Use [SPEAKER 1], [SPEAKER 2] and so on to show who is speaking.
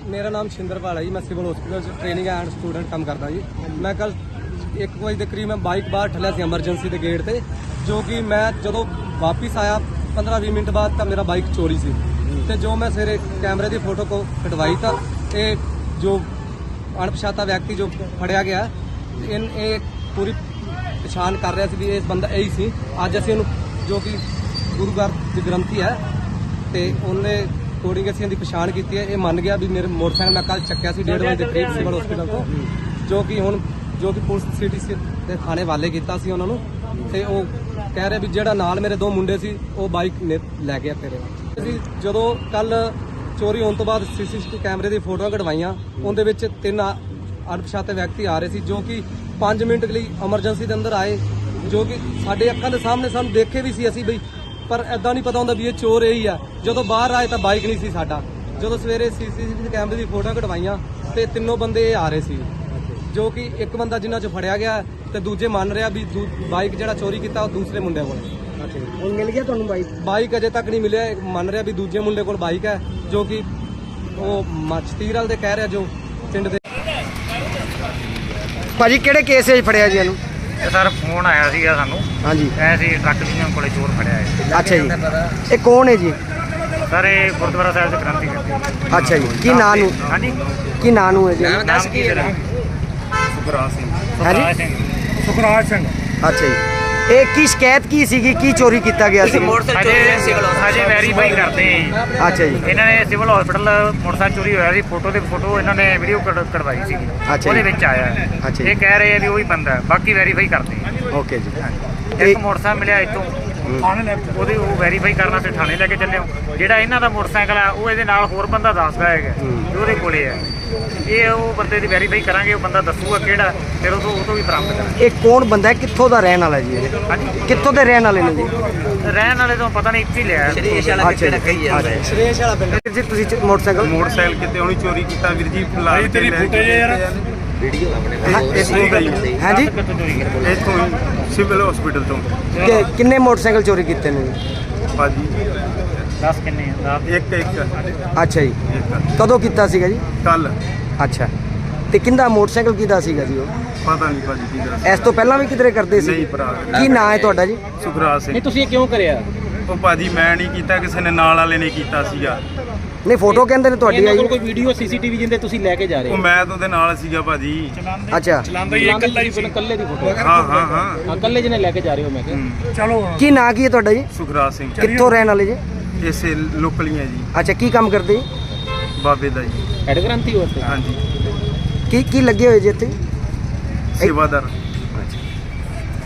[SPEAKER 1] मेरा नाम छिंदरपाल है जी। मैं civil hospital training and student काम करता जी। मैं कल 1 बजे के करीब मैं बाइक बाहर ठलिया सी एमरजेंसी के गेट से, जो कि मैं जो वापस आया 15-20 मिनट बाद तो मेरा बाइक चोरी सी ते जो मैं सवेरे कैमरे की फोटो को कटवाई था ये जो अणपछाता व्यक्ति जो फड़िया गया इन पूरी पछाण कर रहा सी भी इस बंदा यही सी। अज असीं उहनूं जो कि गुरु घर ग्रंथी है तो उन्हें अकॉर्डिंग असीं इहदी पछाण की है। ये मन गया भी मेरे मोटरसाइकिल मैं कल चक्या सी 1:30 बजे के करीब सिविल हॉस्पिटल तो, जो कि हुण जो कि पुलिस सिटी के थाने वाले किया सी उन्होंने ते वो कह रहे भी ਜਿਹੜਾ ਨਾਲ ਮੇਰੇ 2 ਮੁੰਡੇ ਸੀ ਉਹ ਬਾਈਕ ਲੈ ਗਿਆ ਤੇਰੇ। ਅਸੀਂ ਜਦੋਂ ਕੱਲ ਚੋਰੀ ਹੋਣ ਤੋਂ ਬਾਅਦ ਸੀਸੀਟੀਵੀ ਕੈਮਰੇ ਦੀ ਫੋਟੋਆਂ ਕਢਵਾਈਆਂ, ਉਹਦੇ ਵਿੱਚ 3 ਅਣਪਛਾਤੇ ਵਿਅਕਤੀ ਆ ਰਹੇ ਸੀ ਜੋ ਕਿ 5 ਮਿੰਟ ਲਈ ਐਮਰਜੈਂਸੀ ਦੇ ਅੰਦਰ ਆਏ, ਜੋ ਕਿ ਸਾਡੇ ਅੱਖਾਂ ਦੇ ਸਾਹਮਣੇ ਸਾਨੂੰ ਦੇਖੇ ਵੀ ਸੀ ਅਸੀਂ ਬਈ, ਪਰ ਐਦਾਂ ਨਹੀਂ ਪਤਾ ਹੁੰਦਾ ਵੀ ਇਹ ਚੋਰ ਇਹੀ ਆ। ਜਦੋਂ ਬਾਹਰ ਆਏ ਤਾਂ ਬਾਈਕ ਨਹੀਂ ਸੀ ਸਾਡਾ। ਜਦੋਂ ਸਵੇਰੇ ਸੀਸੀਟੀਵੀ ਕੈਮਰੇ ਦੀ ਫੋਟੋਆਂ ਕਢਵਾਈਆਂ ਤੇ ਤਿੰਨੋਂ ਬੰਦੇ ਆ ਰਹੇ ਸੀ, ਜੋ ਕਿ ਇੱਕ ਬੰਦਾ ਜਿਨ੍ਹਾਂ 'ਚ ਫੜਿਆ ਗਿਆ ਤੇ ਦੂਜੇ ਮੰਨ ਰਿਹਾ ਵੀ ਬਾਈਕ ਜਿਹੜਾ ਚੋਰੀ ਕੀਤਾ ਉਹ ਦੂਸਰੇ ਮੁੰਡੇ ਕੋਲ।
[SPEAKER 2] ਹੁਣ ਮਿਲ ਗਿਆ ਤੁਹਾਨੂੰ ਬਾਈਕ
[SPEAKER 1] ਅਜੇ ਤੱਕ ਨਹੀਂ ਮਿਲਿਆ। ਮੰਨ ਰਿਹਾ ਵੀ ਦੂਜੇ ਮੁੰਡੇ ਕੋਲ ਬਾਈਕ ਹੈ, ਜੋ ਕਿ ਉਹ ਮਚਤੀਰਲ ਦੇ ਕਹਿ ਰਿਹਾ ਜੋ ਪਿੰਡ ਦੇ।
[SPEAKER 2] ਭਾਜੀ ਕਿਹੜੇ ਕੇਸ 'ਚ ਫੜਿਆ ਜੀ ਇਹਨੂੰ?
[SPEAKER 3] ਸਰ ਫੋਨ ਆਇਆ ਸੀਗਾ ਸਾਨੂੰ।
[SPEAKER 2] ਹਾਂਜੀ
[SPEAKER 3] ਐਸੀ ਟਰੱਕ ਯੂਨੀਅਨ ਕੋਲੇ ਚੋਰ ਫੜਿਆ ਹੈ।
[SPEAKER 2] ਅੱਛਾ ਜੀ, ਇਹ ਕੌਣ ਹੈ ਜੀ?
[SPEAKER 3] ਸਰ ਇਹ ਗੁਰਦੁਆਰਾ ਸਾਹਿਬ ਦੇ ਗ੍ਰੰਥੀ ਕਰਦੇ।
[SPEAKER 2] ਅੱਛਾ ਜੀ, ਕੀ ਨਾਂ ਨੂੰ?
[SPEAKER 3] ਹਾਂਜੀ
[SPEAKER 2] ਕੀ ਨਾਂ ਨੂੰ ਹੈ ਜੀ?
[SPEAKER 3] ਨਾਮ ਕੀ ਹੈ?
[SPEAKER 4] ਸੁਖਰਾਜ ਸਿੰਘ।
[SPEAKER 3] ਸੁਖਰਾਜ ਸਿੰਘ।
[SPEAKER 4] ਸੁਖਰਾਜ ਸਿੰਘ।
[SPEAKER 2] ਅੱਛਾ ਜੀ, ਇਹ ਕੀ ਸ਼ਿਕਾਇਤ ਕੀ ਸੀਗੀ, ਕੀ ਚੋਰੀ ਕੀਤਾ ਗਿਆ ਸੀ?
[SPEAKER 3] ਹਜੇ ਵੈਰੀਫਾਈ ਕਰਦੇ ਆ ਜੀ।
[SPEAKER 2] ਅੱਛਾ ਜੀ,
[SPEAKER 3] ਇਹਨਾਂ ਨੇ ਸਿਵਲ ਹਸਪੀਟਲ ਮੋਟਰਸਾਈਕਲ ਚੋਰੀ ਹੋਇਆ ਸੀ, ਫੋਟੋ ਤੇ ਫੋਟੋ ਇਹਨਾਂ ਨੇ ਵੀਡੀਓ ਕਢਵਾਈ ਸੀ,
[SPEAKER 2] ਅੱਛਾ
[SPEAKER 3] ਉਹਦੇ
[SPEAKER 2] ਜੀ।
[SPEAKER 3] ਵਿੱਚ ਆਇਆ ਹੈ।
[SPEAKER 2] ਅੱਛਾ ਜੀ।
[SPEAKER 3] ਇਹ ਕਹਿ ਰਹੇ ਆ ਵੀ ਉਹੀ ਬੰਦਾ ਹੈ, ਬਾਕੀ ਵੈਰੀਫਾਈ ਕਰਦੇ ਆ।
[SPEAKER 2] ਓਕੇ ਜੀ।
[SPEAKER 3] ਇੱਕ ਮੋਟਰਸਾਈਕਲ ਮਿਲਿਆ ਇੱਥੋਂ ਉਹਦੇ ਉਹ ਵੈਰੀਫਾਈ ਕਰਨਾ ਤੇ ਥਾਣੇ ਲੈ ਕੇ ਚੱਲੇ ਹੋ। ਜਿਹੜਾ ਇਹਨਾਂ ਦਾ ਮੋਟਰਸਾਈਕਲ ਆ ਉਹ ਇਹਦੇ ਨਾਲ ਹੋਰ ਬੰਦਾ ਦੱਸਦਾ ਹੈਗਾ ਵੀ ਉਹਦੇ ਕੋਲੇ ਹੈ। ਇਹ ਉਹ ਬੰਦੇ ਦੀ ਵੈਰੀਫਾਈ ਕਰਾਂਗੇ, ਉਹ ਬੰਦਾ ਦੱਸੂਗਾ ਕਿਹੜਾ, ਫਿਰ ਉਹ ਤੋਂ ਵੀ ਬਰਾਮਦ ਕਰਾਂਗੇ।
[SPEAKER 2] ਇਹ ਕੌਣ ਬੰਦਾ ਹੈ, ਕਿੱਥੋਂ ਦਾ ਰਹਿਣ ਵਾਲਾ ਜੀ ਇਹ?
[SPEAKER 3] ਹਾਂਜੀ,
[SPEAKER 2] ਕਿੱਥੋਂ ਦੇ ਰਹਿਣ ਵਾਲੇ ਨੇ ਜੀ?
[SPEAKER 3] ਰਹਿਣ ਵਾਲੇ ਤੋਂ ਪਤਾ ਨਹੀਂ, ਇੱਥੇ ਹੀ ਲਿਆ
[SPEAKER 1] ਸ਼੍ਰੇਸ਼ ਵਾਲਾ ਪਿੰਡ
[SPEAKER 2] ਜੀ। ਤੁਸੀਂ ਮੋਟਰਸਾਈਕਲ
[SPEAKER 4] ਕਿਤੇ ਉਹਨੇ ਚੋਰੀ ਕੀਤਾ ਵੀਰ ਜੀ। ਭਾਈ ਤੇਰੀ ਫੁਟੇਜ ਯਾਰ ਵੀਡੀਓ
[SPEAKER 2] ਹਾਂਜੀ
[SPEAKER 4] ਇੱਥੋਂ ਸਿਵਲ ਹਸਪੀਟਲ ਤੋਂ।
[SPEAKER 2] ਕਿੰਨੇ ਮੋਟਰਸਾਈਕਲ ਚੋਰੀ ਕੀਤੇ ਨੇ ਜੀ?
[SPEAKER 4] ਭਾਜੀ
[SPEAKER 3] 10 ਕਿੰਨੇ ਆ?
[SPEAKER 4] ਇੱਕ
[SPEAKER 2] ਅੱਛਾ ਜੀ, ਕਦੋਂ ਕੀਤਾ ਸੀਗਾ ਜੀ?
[SPEAKER 4] ਕੱਲ।
[SPEAKER 2] ਅੱਛਾ, ਤੇ ਕਿੰਦਾ ਮੋਟਰਸਾਈਕਲ ਕਿਹਦਾ ਸੀਗਾ ਜੀ ਉਹ?
[SPEAKER 4] ਪਤਾ ਨਹੀਂ ਭਾਜੀ ਕੀ ਦੱਸ।
[SPEAKER 2] ਇਸ ਤੋਂ ਪਹਿਲਾਂ ਵੀ ਕਿਧਰੇ ਕਰਦੇ ਸੀ?
[SPEAKER 4] ਨਹੀਂ ਭਰਾ।
[SPEAKER 2] ਕੀ ਨਾਂ ਹੈ ਤੁਹਾਡਾ ਜੀ?
[SPEAKER 4] ਸੁਖਰਾਜ ਸਿੰਘ।
[SPEAKER 1] ਤੁਸੀਂ ਇਹ ਕਿਉਂ ਕਰਿਆ?
[SPEAKER 4] ਉਹ ਭਾਜੀ ਮੈਂ ਨਹੀਂ ਕੀਤਾ, ਕਿਸੇ ਨੇ ਨਾਲ ਵਾਲੇ ਨੇ ਕੀਤਾ ਸੀਗਾ।
[SPEAKER 2] ਨਹੀਂ, ਫੋਟੋ ਕਹਿੰਦੇ ਨੇ ਤੁਹਾਡੀ ਆਈ।
[SPEAKER 1] ਕੋਈ ਵੀਡੀਓ ਸੀਸੀਟੀਵੀ ਜਿੰਦੇ ਤੁਸੀਂ ਲੈ ਕੇ ਜਾ ਰਹੇ
[SPEAKER 4] ਉਹ ਮੈਂ ਤਾਂ ਉਹਦੇ ਨਾਲ ਸੀਗਾ ਭਾਜੀ।
[SPEAKER 2] ਅੱਛਾ,
[SPEAKER 1] ਚਲਾਉਂਦਾ ਹੀ ਇਕੱਲਾ ਹੀ ਇਕੱਲੇ ਦੀ ਫੋਟੋ?
[SPEAKER 4] ਹਾਂ
[SPEAKER 1] ਇਕੱਲੇ ਜਿਹਨੇ ਲੈ ਕੇ ਜਾ ਰਹੇ ਹੋ ਮੈਂ ਕਿਹਾ।
[SPEAKER 4] ਚਲੋ।
[SPEAKER 2] ਕੀ ਨਾਂ ਕੀ ਹੈ ਤੁਹਾਡਾ ਜੀ?
[SPEAKER 4] ਸੁਖਰਾਜ ਸਿੰਘ।
[SPEAKER 2] ਕਿੱਥੋਂ ਰਹਿਣ ਵਾਲੇ ਜੀ?
[SPEAKER 4] ਇਸੇ ਲੋਕਲੀਆਂ ਜੀ।
[SPEAKER 2] ਅੱਛਾ, ਕੀ ਕੰਮ ਕਰਦੇ ਜੀ?
[SPEAKER 4] ਬਾਬੇ ਦਾ ਜੀ।
[SPEAKER 1] ਹੈਡ ਗ੍ਰੰਥੀ ਹੋ ਇੱਥੇ?
[SPEAKER 4] ਹਾਂਜੀ।
[SPEAKER 2] ਕੀ ਲੱਗੇ ਹੋਏ ਜੀ ਇੱਥੇ?
[SPEAKER 4] ਸੇਵਾਦਾਰ।